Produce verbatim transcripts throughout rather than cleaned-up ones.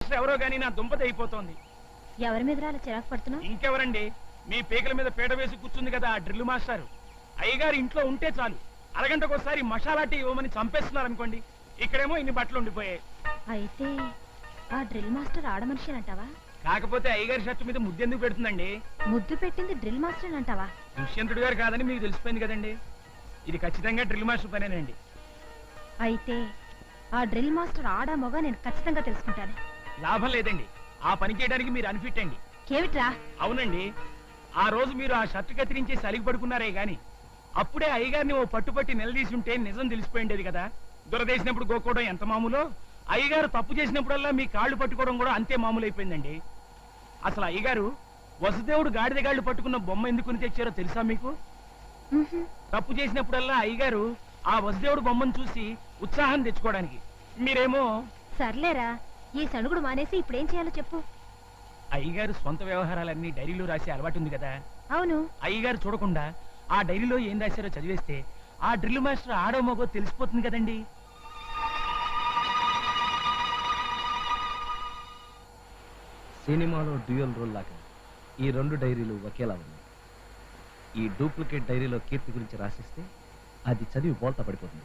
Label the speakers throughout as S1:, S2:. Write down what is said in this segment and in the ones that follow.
S1: Master ఎవరో గానీ నా దుంపతి అయిపోతోంది.
S2: ఎవరి మీద అలా చిరాకు పడుతున్నావు?
S1: ఇంకెవరండి, మీ పీకల మీద పీట వేసి కూర్చుంది కదా ఆ డ్రిల్ మాస్టర్. అయ్యగారు ఇంట్లో ఉంటే చాలు అరగంటకోసారి మసాలా టీ ఇవ్వమని చంపేస్తున్నారు అనుకోండి. ఇక్కడేమో ఇన్ని బట్టలు ఉండిపోయాయి.
S2: అయితే ఆ డ్రిల్ మాస్టర్ ఆడమనిషి అంటావా?
S1: కాకపోతే అయ్యగారి షర్టు మీద ముద్దెందుకు పెడుతుందండి?
S2: ముద్దు పెట్టింది డ్రిల్ మాస్టర్ అంటావా?
S1: దుష్యంతుడు గారు కాదని మీకు తెలిసిపోయింది కదండి. ఇది ఖచ్చితంగా డ్రిల్ మాస్టర్ పనేనండి.
S2: అయితే ఆ డ్రిల్ మాస్టర్ ఆడా మొగ నేను ఖచ్చితంగా తెలుసుకుంటాను.
S1: లాభం లేదండి, ఆ పని చేయడానికి మీరు అన్ఫిట్ అండి.
S2: కేవిట్రా?
S1: అవునండి, ఆ రోజు మీరు ఆ షర్టు కత్తిరించి సలిగి పడుకున్నారే గాని అప్పుడే అయ్యగారిని ఓ పట్టుపట్టి నిలదీసి ఉంటే నిజం తెలిసిపోయిండేది కదా. దురదేసినప్పుడు గోక్కోవడం ఎంత మామూలో అయ్యగారు తప్పు చేసినప్పుడల్లా మీ కాళ్ళు పట్టుకోవడం కూడా అంతే మామూలు అయిపోయిందండి. అసలు అయ్యగారు వసుదేవుడు గాడిద గాళ్ళు పట్టుకున్న బొమ్మ ఎందుకుని తెచ్చారో తెలుసా మీకు? తప్పు చేసినప్పుడల్లా అయ్యగారు ఆ వసుదేవుడు బొమ్మను చూసి ఉత్సాహం తెచ్చుకోవడానికి. మీరేమో
S2: సర్లేరా, ఈ సణుగుడు మానేసి ఇప్పుడేం చేయాలో చెప్పు.
S1: అయ్యగారు సొంత వ్యవహారాలన్నీ డైరీలో రాసే అలవాటు ఉంది కదా.
S2: అవును.
S1: అయ్యగారు చూడకుండా ఆ డైరీలో ఏం రాశారో చదివేస్తే ఆ డ్రిల్ మాస్టర్ ఆడో మగో తెలిసిపోతుంది కదండి.
S3: సినిమాలో డ్యూయల్ రోల్ లాగా ఈ రెండు డైరీలు ఒకేలా ఉన్నాయి. ఈ డూప్లికేట్ డైరీలో కీర్తి గురించి రాసిస్తే అది చదివి బోల్తా పడిపోతుంది.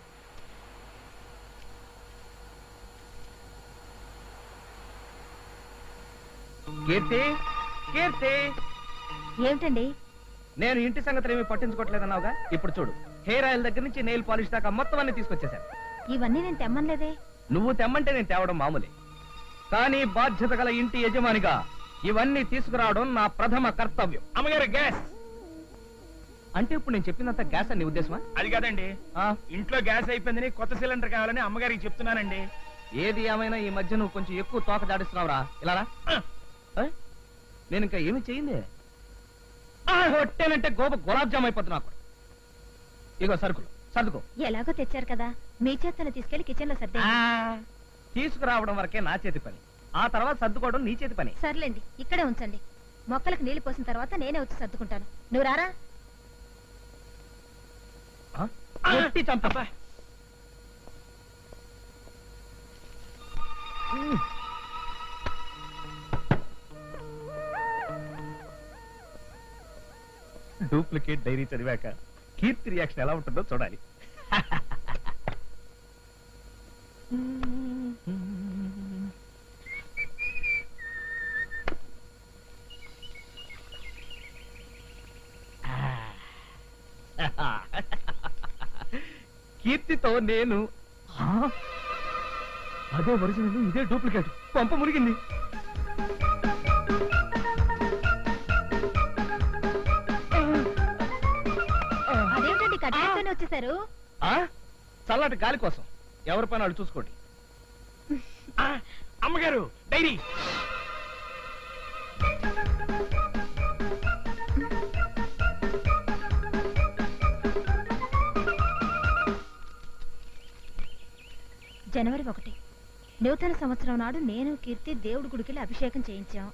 S3: కీర్తి, కీర్తి,
S2: ఏమిటండి?
S3: నేను ఇంటి సంగతులు ఏమీ పట్టించుకోవట్లేదన్నావుగా, ఇప్పుడు చూడు, హెయిర్ ఆయిల్ దగ్గర నుంచి నెయిల్ పాలిష్ దాకా మొత్తం అన్ని తీసుకొచ్చేసాను.
S2: ఇవన్నీ నేను తెమ్మనలేదే.
S3: నువ్వు తెమ్మంటే నేను తేవడం మామూలే, కానీ బాధ్యత గల ఇంటి యజమానిగా ఇవన్నీ తీసుకురావడం నా ప్రథమ కర్తవ్యం.
S1: అమ్మగారు గ్యాస్
S3: అంటే ఇప్పుడు నేను చెప్పినంత గ్యాస్ అని ఉద్దేశమా?
S1: అది కాదండి, ఇంట్లో గ్యాస్ అయిపోయిందని కొత్త సిలిండర్ కావాలని అమ్మగారికి చెప్తున్నానండి.
S3: ఏది ఏమైనా ఈ మధ్య నువ్వు కొంచెం ఎక్కువ తోక దాడిస్తున్నావురా. ఇలా నేను ఇంకా ఏమి చెయ్యింది, కొట్టేనంటే గోప గులాబ్ జామ్ అయిపోతున్నా. ఇగో సరుకులు సర్దుకో.
S2: ఎలాగో తెచ్చారు కదా, మీ చేతను తీసుకెళ్లి కిచెన్ లో సర్దే.
S3: తీసుకురావడం వరకే నా చేతి పని, ఆ తర్వాత సర్దుకోవడం నీ చేతి పని.
S2: సర్లేండి, ఇక్కడే ఉంచండి. మొక్కలకు నీళ్లు పోసిన తర్వాత నేనే వచ్చి సర్దుకుంటాను. నువ్వు రారా.
S3: కొట్టి చంపా. డూప్లికేట్ డైరీ చదివాక కీర్తి రియాక్షన్ ఎలా ఉంటుందో చూడాలి. కీర్తితో నేను అదే ఒరిజినల్, ఇదే డూప్లికేట్. పంప మురిగింది.
S2: అదేమిటండి కట్టేస్తూనే వచ్చేసారు?
S3: చల్లటి గాలి కోసం ఎవరి పని వాళ్ళు చూసుకోండి.
S1: అమ్మగారు డైరీ.
S2: జనవరి ఒకటి నూతన సంవత్సరం నాడు నేను కీర్తి దేవుడి గుడికి అభిషేకం చేయించాం.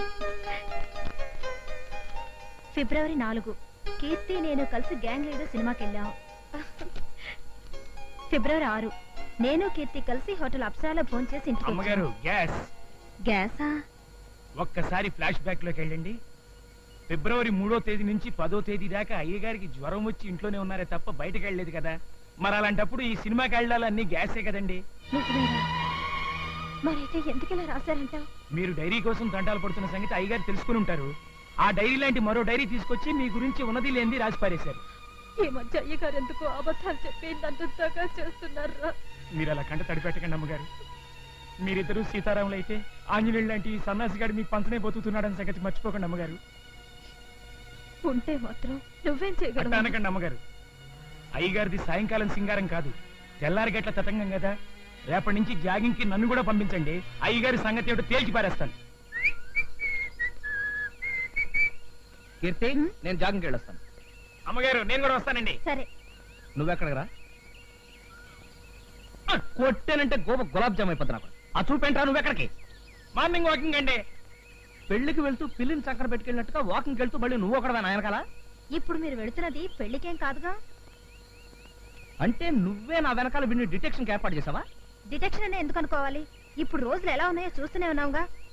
S2: ఫిబ్రవరి నాలుగు కీర్తి నేను కలిసి గ్యాంగ్ లీడర్ సినిమాకి వెళ్ళాం. ఫిబ్రవరి ఆరు నేను కీర్తి కలిసి హోటల్ అప్సరాలో ఫోన్ చేసి ఇంటికి.
S1: అమ్మగారు గ్యాస్.
S2: గ్యాసా?
S1: ఒక్కసారి ఫ్లాష్ బ్యాక్ లోకి వెళ్ళండి. ఫిబ్రవరి మూడో తేదీ నుంచి పదో తేదీ దాకా అయ్యగారికి జ్వరం వచ్చి ఇంట్లోనే ఉన్నారే తప్ప బయటకు వెళ్ళలేదు కదా. మరి అలాంటప్పుడు ఈ సినిమాకి వెళ్ళాలన్నీ గ్యాసే కదండి.
S2: మరైతే ఎందుకు రాశారంటావు?
S1: మీరు డైరీ కోసం తంటాలు పడుతున్న సంగతి అయ్యగారు తెలుసుకుని ఉంటారు. ఆ డైరీ లాంటి మరో డైరీ తీసుకొచ్చి మీ గురించి ఉన్నది లేనిది రాసి పారేశారు.
S2: ఈ మధ్య అయ్యగారు ఎందుకు అబద్ధాలు చెప్పి నందుగా చేస్తున్నారు?
S1: మీరు అలా కంట తడిపెట్టకండి అమ్మగారు. మీరిద్దరూ సీతారాములు అయితే ఆంజనేయుడు లాంటి సన్నాసిగాడు మీ పంచనే బతుకుతున్నాడని సంగతి మర్చిపోకండి అమ్మగారు.
S2: ఉంటే మాత్రం నువ్వేం చేయగలవు?
S1: అనకండి అమ్మగారు. అయ్యగారిది సాయంకాలం సింగారం కాదు, తెల్లారి గట్ల తతంగం కదా. రేపటి నుంచి జాగింగ్ కి నన్ను కూడా పంపించండి. అయ్యగారి సంగతి ఏమిటో తేల్చి పారేస్తాను.
S3: కీర్తి, నేను జాగింగ్కి వెళ్ళొస్తాను.
S1: అమ్మగారు నేను కూడా వస్తానండి.
S2: సరే.
S3: నువ్వెక్కడికి రా. కొట్టేనంటే గోప గులాబ్ జామ్ అయిపోతున్నా. ఆ చూపేంట్రా నువ్వెక్కడికి?
S1: మార్నింగ్ వాకింగ్ అండి.
S3: పెళ్లికి వెళ్తూ పిల్లిని చక్కర పెట్టుకెళ్ళినట్టుగా వాకింగ్ వెళ్తూ మళ్ళీ నువ్వు ఒకడవే నాయనకాల.
S2: ఇప్పుడు మీరు వెళుతున్నది పెళ్లికేం కాదుగా.
S3: అంటే నువ్వే నా వెనకాల విని డిటెక్షన్ ఏర్పాటు చేసావా?
S2: డిటెక్షన్ అనే ఎందుకు అనుకోవాలి? ఇప్పుడు రోజులు ఎలా ఉన్నాయో చూస్తూనే ఉన్నావుగా.